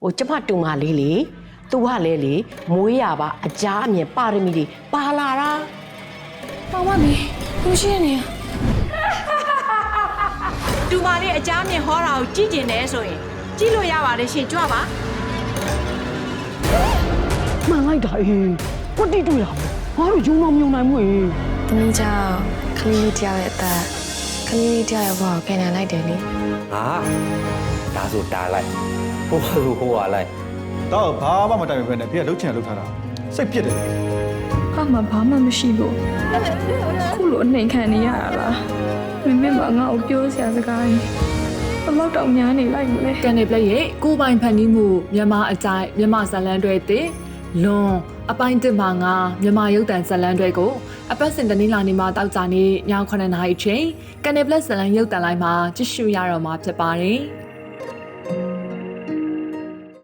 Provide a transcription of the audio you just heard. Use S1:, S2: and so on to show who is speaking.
S1: ကျမတူမလေးလေသူကလည်းလေမွေးရပါအကြားအမြင်ပါရမီတွေပါလာတာ
S2: ပေါင်မမီလူရှိနေရ
S3: တူမလေးအကြမ်းမြင်ဟောတာကိုကြည့်ကျင်တယ်ဆိုရင်ကြည့်လို့ရပါတယ်ရှင်ကြွပါ
S1: မှန်လိုက်တာအေးကွတိတွေ့ရမယ်ငါတို့ယုံတော့မယုံနိုင်ဘူးအေး
S2: သမီးကြောင့်ခလေးလေးတယောက်ရဲ့အသက်ခလေးလေးတယောက်ရဲ့ဘဝကိုပြန်လာလိုက်တယ်လေ
S4: ဟာဒါဆိုတားလိုက်ဟိုဟာဆိုဟိုဟာလိုက်
S5: တော့ဘာမှမတိုင်ပဲနဲ့ဖေကလှုပ်ချင်လှုပ်ထားတာစိတ်ဖြစ်တယ်
S6: ဟာမဘာမှမရှိလို့ခုလိုနှိမ်ခံနေရတာလားမမေမငါ့ကိုပြောစရာစကားကြီးဘလောက်တောင်များနေလိုက်မလဲ
S7: ကန်နေပလက်ရဲ့ကိုပိုင်ဖန်တီးမှုမြန်မာအကြိုက်မြန်မာဇလန်တွေတဲ့လွန်အပိုင်းတစ်မှာငါမြန်မာရုပ်တံဇလန်တွေကိုအပတ်စဉ်တနင်္လာနေ့မှာတောက်ကြနေည9:00နာရီအချိန်ကန်နေပလက်ဇလန်ရုပ်တံလိုက်မှာကြည့်ရှုရတော့မှာဖြစ်ပါတယ်